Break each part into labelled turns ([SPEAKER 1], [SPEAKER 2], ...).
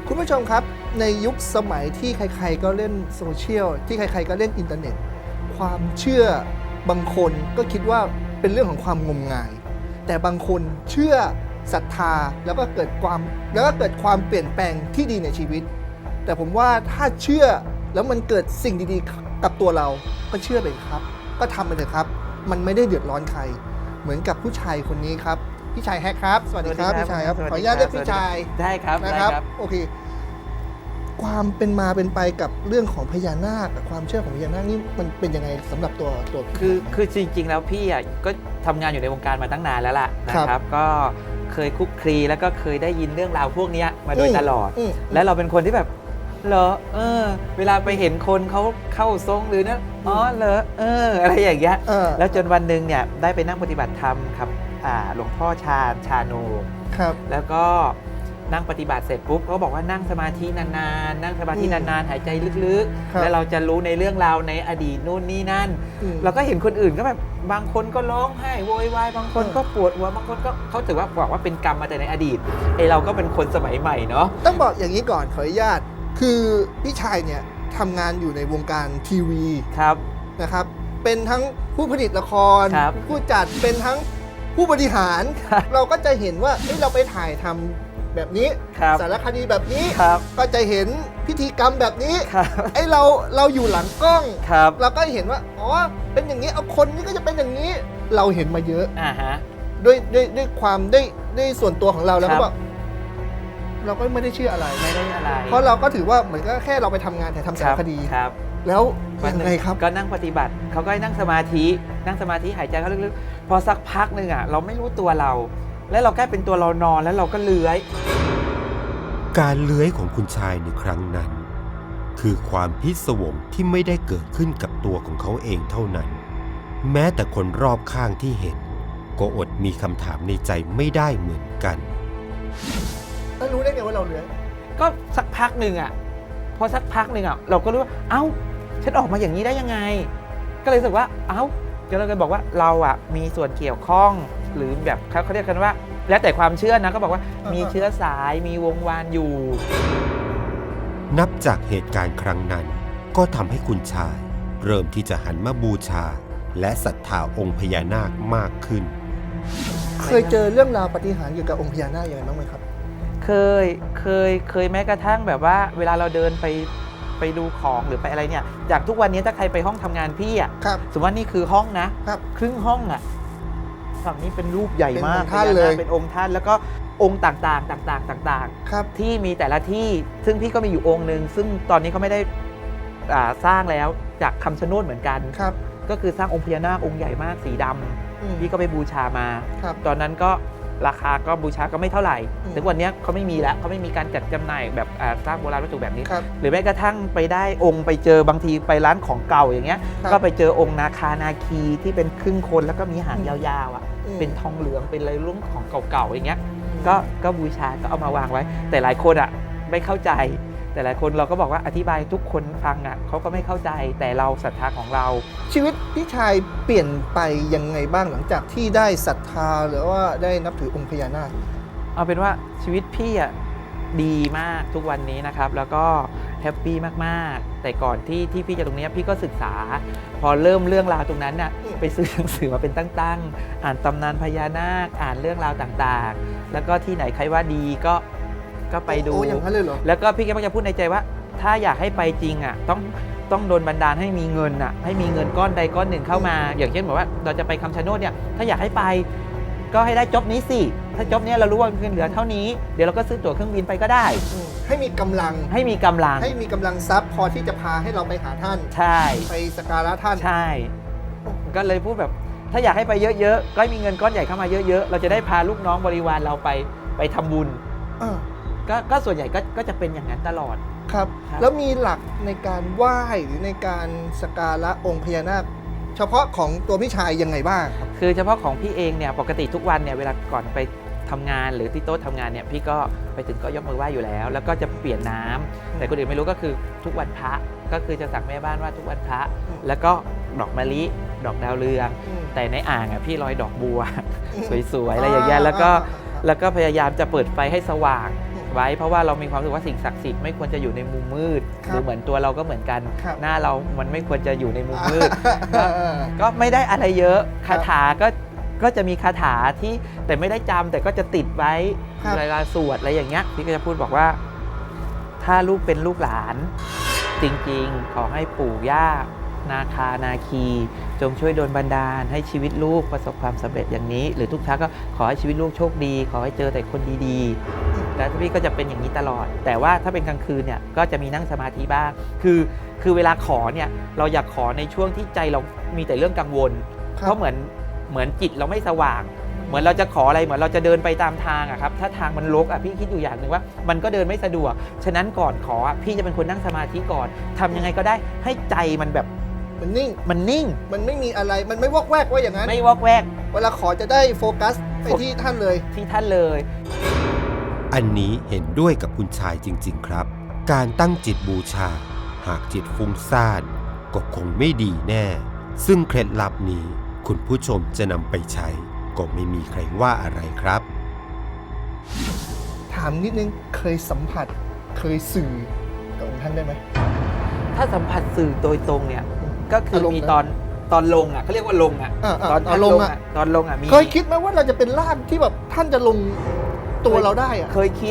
[SPEAKER 1] คุณผู้ชมครับในยุคสมัยที่ใครๆก็เล่นโซเชียลที่ใครๆก็เล่นอินเทอร์เน็ตความเชื่อบางคนก็คิดว่าเป็นเรื่องของความงมงายแต่บางคนเชื่อศรัทธาแล้วก็เกิดความเปลี่ยนแปลงที่ดีในชีวิตแต่ผมว่าถ้าเชื่อแล้วมันเกิดสิ่งดีๆกับตัวเราก็เชื่อไปครับก็ทำไปเถอะครับมันไม่ได้เดือดร้อนใครเหมือนกับผู้ชายคนนี้ครับพี่ชายแฮกครับสวัสดีครับพี่ชายครับขออนุญาตเรียกพี่ชาย
[SPEAKER 2] ได้ครับ
[SPEAKER 1] นะครับ
[SPEAKER 2] ได้ครับ
[SPEAKER 1] โอเคความเป็นมาเป็นไปกับเรื่องของพญานาคกับความเชื่อของพญานาคนี่มันเป็นยังไงสำหรับตัว
[SPEAKER 2] คือจริงๆแล้วพี่อ่ะก็ทำงานอยู่ในวงการมาตั้งนานแล้วล่ะนะครับก็เคยคุกคลีแล้วก็เคยได้ยินเรื่องราวพวกนี้มาโดยตลอดและเราเป็นคนที่แบบเหรอเวลาไปเห็นคนเขาเข้าทรงหรือเนี่ยอ๋อเหรออะไรอย่างเงี้ยแล้วจนวันหนึ่งเนี่ยได้ไปนั่งปฏิบัติธรรมครับหลวงพ่อชาโน
[SPEAKER 1] ครับ
[SPEAKER 2] แล้วก็นั่งปฏิบัติเสร็จปุ๊บเขาบอกว่านั่งสมาธินานๆนั่งสมาธินานๆหายใจลึกๆแล้วเราจะรู้ในเรื่องราวในอดีตนู่นนี่นั่นเราก็เห็นคนอื่นก็แบบบางคนก็ร้องไห้โวยวายบางคนก็ปวดหัวบางคนก็เขาถือว่าบอกว่าเป็นกรรมมาแต่ในอดีตไอเราก็เป็นคนสมัยใหม่เนาะ
[SPEAKER 1] ต้องบอกอย่างนี้ก่อนขออนุญาตคือพี่ชายเนี่ยทำงานอยู่ในวงการทีวี
[SPEAKER 2] ครับ
[SPEAKER 1] นะครับเป็นทั้งผู้ผลิตละครผู้จัดเป็นทั้งผู้บริหารเราก็จะเห็นว่าเราไปถ่ายทำแบบนี้สารคดีแบบนี้ก็จะเห็นพิธีกรรมแบบนี้ไอ้เราอยู่หลังกล้องเราก็เห็นว่าอ๋อเป็นอย่างนี้เอาคนนี้ก็จะเป็นอย่างนี้เราเห็นมาเยอะด้วยความด้วยส่วนตัวของเราแล้วก็บอกเราก็ไม่ได้เชื่ออะไรเพราะเราก็ถือว่าเหมือนก็แค่เราไปทำงานแต่ทำสารคดีแล้วยังไงครับ
[SPEAKER 2] ก็นั่งปฏิบัติเขาก็นั่งสมาธิหายใจเข้าลึกๆพอสักพักหนึ่งอ่ะเราไม่รู้ตัวเราแล้วเราแค่เป็นตัวเรานอนแล้วเราก็เลื้อย
[SPEAKER 3] การเลื้อยของคุณชายในครั้งนั้นคือความพิศวงที่ไม่ได้เกิดขึ้นกับตัวของเขาเองเท่านั้นแม้แต่คนรอบข้างที่เห็นก็อดมีคำถามในใจไม่ได้เหมือนกัน
[SPEAKER 1] แล้วรู้ได้ไงว่าเราเลื้อย
[SPEAKER 2] ก็สักพักหนึ่งอ่ะพอสักพักหนึ่งอ่ะเราก็รู้ว่าเอ้าฉันออกมาอย่างนี้ได้ยังไงก็เลยรู้สึกว่าเอ้าเราก็บอกว่าเราอ่ะมีส่วนเกี่ยวข้องหรือแบบเขาเรียกกันว่าแล้วแต่ความเชื่อนะก็บอกว่ามีเชื้อสายมีวงวานอยู่
[SPEAKER 3] นับจากเหตุการณ์ครั้งนั้นก็ทำให้คุณชายเริ่มที่จะหันมาบูชาและศรัทธาองค์พญานาคมากขึ้น
[SPEAKER 1] เคยเจอเรื่องราวปาฏิหาริย์เกี่ยวกับองค์พญานาคอย่างไรบ้างไหมครับ
[SPEAKER 2] เคยแม้กระทั่งแบบว่าเวลาเราเดินไปดูของหรือไปอะไรเนี่ยจากทุกวันนี้ถ้าใครไปห้องทำงานพี่อ่ะสมมติว่านี่คือห้องนะครึ่งห้องอ่ะฝั่งนี้เป็นรูปใหญ่มาก
[SPEAKER 1] ท่านเลย
[SPEAKER 2] เป็นองค์ท่านแล้วก็องค์ต่างๆที่มีแต่ละที่ซึ่งพี่ก็มีอยู่องค์หนึ่งซึ่งตอนนี้เขาไม่ได้สร้างแล้วจากคำชะโนดเหมือนกันก็คือสร้างองค์พญานาคองค์ใหญ่มากสีดำพี่ก็ไปบูชามาตอนนั้นก็ราคาก็บูชาก็ไม่เท่าไหร่ถึงวันนี้เขาไม่มีแล้วเขาไม่มีการจัดจำหน่ายแบบสร้างโบราณวัตถุแบบนี้หรือแม้กระทั่งไปได้องค์ไปเจอบางทีไปร้านของเก่าอย่างเงี้ยก็ไปเจอองค์นาคานาคีที่เป็นครึ่งคนแล้วก็มีหางยาวๆอ่ะเป็นทองเหลืองเป็นอะไรรุ่นของเก่าๆอย่างเงี้ยก็บูชาก็เอามาวางไว้แต่หลายคนอ่ะไม่เข้าใจแต่หลายคนเราก็บอกว่าอธิบายทุกคนฟังอ่ะเขาก็ไม่เข้าใจแต่เราศรัทธาของเรา
[SPEAKER 1] ชีวิตพี่ชายเปลี่ยนไปยังไงบ้างหลังจากที่ได้ศรัทธาหรือว่าได้นับถือองค์พญานาค
[SPEAKER 2] เอาเป็นว่าชีวิตพี่อ่ะดีมากทุกวันนี้นะครับแล้วก็แฮปปี้มากๆแต่ก่อนที่พี่จะตรงนี้พี่ก็ศึกษาพอเริ่มเรื่องราวตรงนั้นน่ะไปซื้อหนังสือมาเป็นตั้งๆอ่านตำนานพญานาคอ่านเรื่องราวต่างๆแล้วก็ที่ไหนใครว่าดีก็ไปดูแล้วก็พี่ก็มักจะพูดในใจว่าถ้าอยากให้ไปจริงอ่ะต้องโดนบันดาลให้มีเงินอ่ะให้มีเงินก้อนใดก้อนหนึ่งเข้ามาอย่างเช่นบอกว่าเราจะไปคำชะโนดเนี่ยถ้าอยากให้ไปก็ให้ได้จ็อบนี้สิถ้าจ็อบนี้เรารู้ว่าเงินเหลือเท่านี้เดี๋ยวเราก็ซื้อตั๋วเครื่องบินไปก็ได้
[SPEAKER 1] ให้มีกำลังทรัพย์พอที่จะพาให้เราไปหาท่าน
[SPEAKER 2] ใช่
[SPEAKER 1] ไปสักการะท่าน
[SPEAKER 2] ใช่ก็เลยพูดแบบถ้าอยากให้ไปเยอะๆก็มีเงินก้อนใหญ่เข้ามาเยอะๆเราจะได้พาลูกน้องบริวารเราไปทำบุญก็ส่วนใหญ่ก็จะเป็นอย่างนั้นตลอด
[SPEAKER 1] ครับแล้วมีหลักในการไหว้หรือในการสักการะองค์พญานาคเฉพาะของตัวพี่ชายยังไงบ้างครับ
[SPEAKER 2] คือเฉพาะของพี่เองเนี่ยปกติทุกวันเนี่ยเวลาก่อนไปทำงานหรือที่โต๊ะทำงานเนี่ยพี่ก็ไปถึงก็ยกมือไหว้อยู่แล้วแล้วก็จะเปลี่ยนน้ำแต่คนอื่นไม่รู้ก็คือทุกวันพระก็คือจะสั่งแม่บ้านว่าทุกวันพระแล้วก็ดอกมะลิดอกดาวเรืองแต่ในอ่างอ่ะพี่ลอยดอกบัวสวยๆอะไรอย่างเงี้ยแล้วก็พยายามจะเปิดไฟให้สว่างไว้เพราะว่าเรามีความรู้สึกว่าสิ่งศักดิ์สิทธิ์ไม่ควรจะอยู่ในมุมมืดหรือเหมือนตัวเราก็เหมือนกันหน้าเรามันไม่ควรจะอยู่ในมุมมืดก็ไม่ได้อะไรเยอะคาถาก็จะมีคาถาที่แต่ไม่ได้จำแต่ก็จะติดไว้เวลาสวดอะไรอย่างเงี้ยพี่ก็จะพูดบอกว่าถ้าลูกเป็นลูกหลานจริงๆขอให้ปู่ย่านาคานาคีจงช่วยดลบันดาลให้ชีวิตลูกประสบความสำเร็จอย่างนี้หรือทุกครั้งก็ขอให้ชีวิตลูกโชคดีขอให้เจอแต่คนดีๆแล้วพี่ก็จะเป็นอย่างนี้ตลอดแต่ว่าถ้าเป็นกลางคืนเนี่ยก็จะมีนั่งสมาธิบ้างคือเวลาขอเนี่ยเราอยากขอในช่วงที่ใจเรามีแต่เรื่องกังวลเพราะเหมือนจิตเราไม่สว่างเหมือนเราจะขออะไรเหมือนเราจะเดินไปตามทางอะครับถ้าทางมันรกอะพี่คิดอยู่อย่างหนึ่งว่ามันก็เดินไม่สะดวกฉะนั้นก่อนขอพี่จะเป็นคนนั่งสมาธิก่อนทำยังไงก็ได้ให้ใจมันแบบ
[SPEAKER 1] มันนิ่งมันไม่มีอะไรมันไม่วอกแวกว่าอย่างนั้น
[SPEAKER 2] ไม่วอกแวก
[SPEAKER 1] เวลาขอจะได้โฟกัสไปที่ท่านเลย
[SPEAKER 3] อันนี้เห็นด้วยกับคุณชายจริงๆครับการตั้งจิตบูชาหากจิตฟุ้งซ่านก็คงไม่ดีแน่ซึ่งเคล็ดลับนี้คุณผู้ชมจะนำไปใช้ก็ไม่มีใครว่าอะไรครับ
[SPEAKER 1] ถามนิดนึงเคยสัมผัสเคยสื่อกับองค์ท่านได้ไหม
[SPEAKER 2] ถ้าสัมผัสสื่อโดยตรงเนี่ยก็คือมีตอนลงอ่ะเขาเรียกว่าลงอ่ะ
[SPEAKER 1] ตอนลงอ่ะมีเคยคิดไหมว่าเราจะเป็นร่างที่แบบท่านจะลงตัวเราได้อ่ะ
[SPEAKER 2] เคยคิด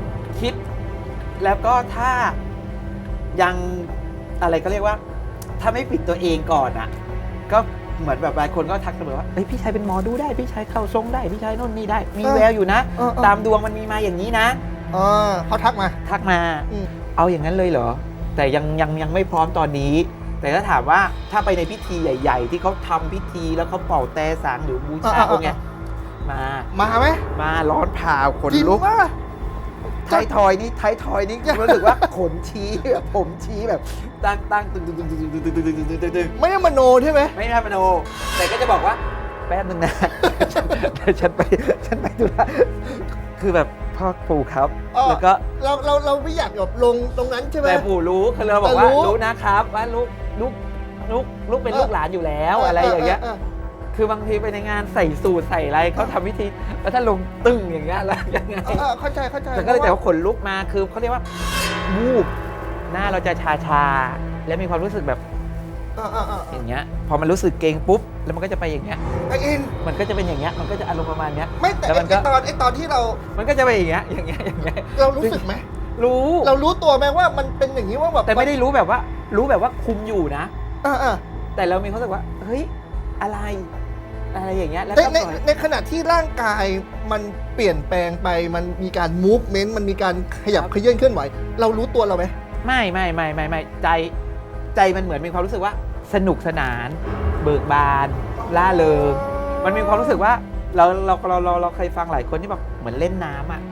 [SPEAKER 2] แล้วก็ถ้ายังอะไรก็เรียกว่าถ้าไม่ปิดตัวเองก่อนอ่ะก็เหมือนแบบหลายคนก็ทักเสมอว่าพี่ชายเป็นหมอดูได้พี่ชายเข้าทรงได้พี่ชายโน่นนี่ได้มีแววอยู่นะตามดวงมันมีมาอย่างนี้นะ
[SPEAKER 1] เขาทักมา
[SPEAKER 2] เอาอย่างนั้นเลยเหรอแต่ยังไม่พร้อมตอนนี้แต่ถ้าถามว่าถ้าไปในพิธีใหญ่ๆที่เขาทำพิธีแล้วเขาเป่าแต่สางหรือบูชาองค์เนี้ย
[SPEAKER 1] มาไหม
[SPEAKER 2] มาร้อนผ่าขนลุกไทยทอยนี่รู้สึกว่าขนชี้แบบผมชี้แบบตั้งตึง
[SPEAKER 1] ไม่ได้มโนใช่ไหม
[SPEAKER 2] ไม่ได้มโนแต่ก็จะบอกว่าแป๊บนึงนะฉันไปดูแลคือแบบพ่อปู่ครับแล้วก็
[SPEAKER 1] เราไม่อยากแบบลงตรงนั้นใช่ไหม
[SPEAKER 2] แต่ปู่รู้คือเราบอกว่ารู้นะครับว่าลูกเป็นลูกหลานอยู่แล้วอะไรอย่างเงี้ยคือบางทีไปในงานใส่สูทใส่อะไรเขาทำพิธีแล้วถ้าลงตึ้งอย่างเงี้ยแล้วยังไง
[SPEAKER 1] เข้าใจ
[SPEAKER 2] แต่ก็เลยแต่ว่าขนลุกมาคือเขาเรียกว่าวูบหน้าเราจะชาแล้วมีความรู้สึกแบบอย่างเงี้ยพอมันรู้สึกเกรงปุ๊บแล้วมันก็จะไปอย่างเงี้ยมันก็จะเป็นอย่างเงี้ยมันก็จะอารมณ์ประมาณเนี้ย
[SPEAKER 1] ไม่แต่ตอนที่เรา
[SPEAKER 2] มันก็จะไปอย่างเงี้ย
[SPEAKER 1] เรารู้สึกไหมเรารู้ตัวไหมว่ามันเป็นอย่างนี้ว่าแบบ
[SPEAKER 2] แต่ไม่ได้รู้แบบว่าคุมอยู่นะแต่เรามีความรู้สึกว่าเฮ้ยอะไรอย่างเงี้ยแล้ว
[SPEAKER 1] ในขณะที่ร่างกายมันเปลี่ยนแปลงไปมันมีการมูฟเมนต์มันมีการขยับเคลื่อนเคลื่อนไหวเรารู้ตัวเราไหม
[SPEAKER 2] ไม่ใจมันเหมือนมีความรู้สึกว่าสนุกสนานเบิกบานล่าเริงมันมีความรู้สึกว่าเราเคยฟังหลายคนที่แบบเหมือนเล่นน้ำอ่ะ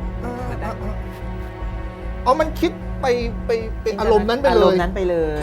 [SPEAKER 1] มันคิดไปอารมณ์นั้นไปเลย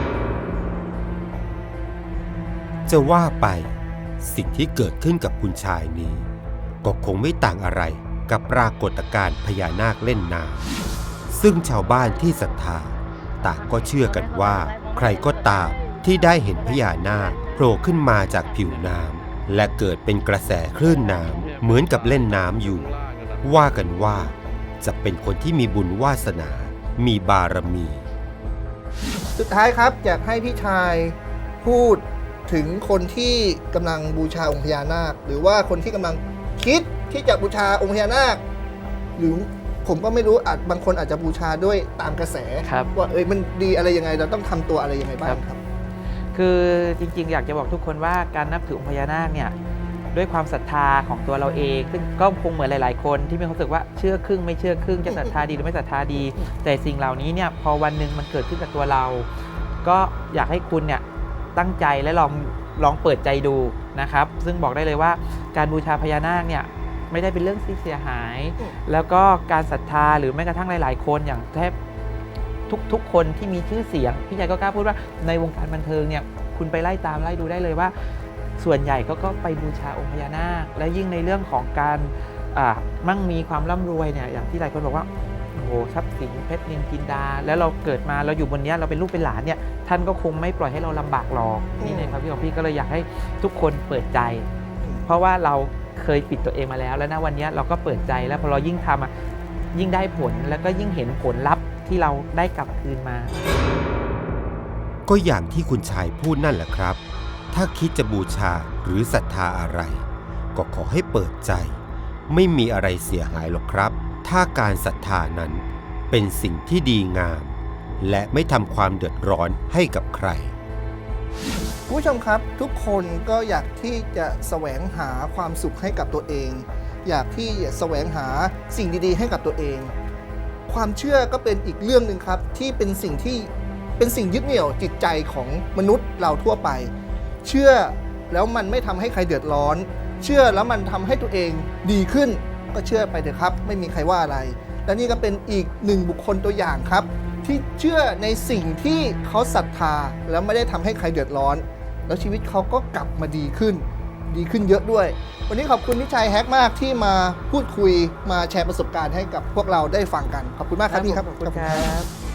[SPEAKER 3] จะว่าไปสิ่งที่เกิดขึ้นกับคุณชายนี้ก็คงไม่ต่างอะไรกับปรากฏการณ์พญานาคเล่นน้ำซึ่งชาวบ้านที่ศรัทธาต่างก็เชื่อกันว่าใครก็ตามที่ได้เห็นพญานาคโผล่ขึ้นมาจากผิวน้ำและเกิดเป็นกระแสคลื่นน้ำเหมือนกับเล่นน้ำอยู่ว่ากันว่าจะเป็นคนที่มีบุญวาสนามีบารมี
[SPEAKER 1] สุดท้ายครับอยากให้พี่ชายพูดถึงคนที่กำลังบูชาองค์พญานาคหรือว่าคนที่กำลังคิดที่จะบูชาองค์พญานาคหรือผมก็ไม่รู้บางคนอาจจะบูชาด้วยตามกระแสว่ามันดีอะไรยังไงเราต้องทำตัวอะไรยังไงบ้างครับ
[SPEAKER 2] คือจริงๆอยากจะบอกทุกคนว่าการนับถือองค์พญานาคเนี่ยด้วยความศรัทธาของตัวเราเองซึ่งก็คงเหมือนหลายๆคนที่มีความรู้สึกว่าเชื่อครึ่งไม่เชื่อครึ่งจะศรัทธาดีหรือไม่ศรัทธาดีแต่สิ่งเหล่านี้เนี่ยพอวันหนึ่งมันเกิดขึ้นกับตัวเราก็อยากให้คุณเนี่ยตั้งใจและลองเปิดใจดูนะครับซึ่งบอกได้เลยว่าการบูชาพญานาคเนี่ยไม่ได้เป็นเรื่องที่เสียหายแล้วก็การศรัทธาหรือแม้กระทั่งหลายๆคนอย่างแทบทุกคนที่มีชื่อเสียงพี่ใหญ่ก็กล้าพูดว่าในวงการบันเทิงเนี่ยคุณไปไล่ดูได้เลยว่าส่วนใหญ่ก็ไปบูชาองค์พญานาคและยิ่งในเรื่องของการมั่งมีความร่ำรวยเนี่ยอย่างที่หลายคนบอกว่าโอ้โหทรัพย์สินเพชรนินจินดาแล้วเราเกิดมาเราอยู่บนนี้เราเป็นลูกเป็นหลานเนี่ยท่านก็คงไม่ปล่อยให้เราลำบากหรอกนี่ในความคิดของพี่ก็เลยอยากให้ทุกคนเปิดใจเพราะว่าเราเคยปิดตัวเองมาแล้วนะวันนี้เราก็เปิดใจแล้วพอเรายิ่งทำยิ่งได้ผลแล้วก็ยิ่งเห็นผลลัพธ์ที่เราได้กลับคืนมา
[SPEAKER 3] ก็อย่างที่คุณชายพูดนั่นแหละครับถ้าคิดจะบูชาหรือศรัทธาอะไรก็ขอให้เปิดใจไม่มีอะไรเสียหายหรอกครับถ้าการศรัทธานั้นเป็นสิ่งที่ดีงามและไม่ทำความเดือดร้อนให้กับใคร
[SPEAKER 1] คุณผู้ชมครับทุกคนก็อยากที่จะแสวงหาความสุขให้กับตัวเองอยากที่จะแสวงหาสิ่งดีๆให้กับตัวเองความเชื่อก็เป็นอีกเรื่องหนึ่งครับที่เป็นสิ่งยึดเหนี่ยวจิตใจของมนุษย์เราทั่วไปเชื่อแล้วมันไม่ทำให้ใครเดือดร้อนเชื่อแล้วมันทำให้ตัวเองดีขึ้นก็เชื่อไปเถอะครับไม่มีใครว่าอะไรและนี่ก็เป็นอีกหนึ่งบุคคลตัวอย่างครับที่เชื่อในสิ่งที่เขาศรัทธาแล้วไม่ได้ทำให้ใครเดือดร้อนแล้วชีวิตเขาก็กลับมาดีขึ้นเยอะด้วยวันนี้ขอบคุณพี่ชัยแฮกมากที่มาพูดคุยมาแชร์ประสบการณ์ให้กับพวกเราได้ฟังกันขอบคุณมากครับพี่ครับ
[SPEAKER 2] ขอบคุณครับ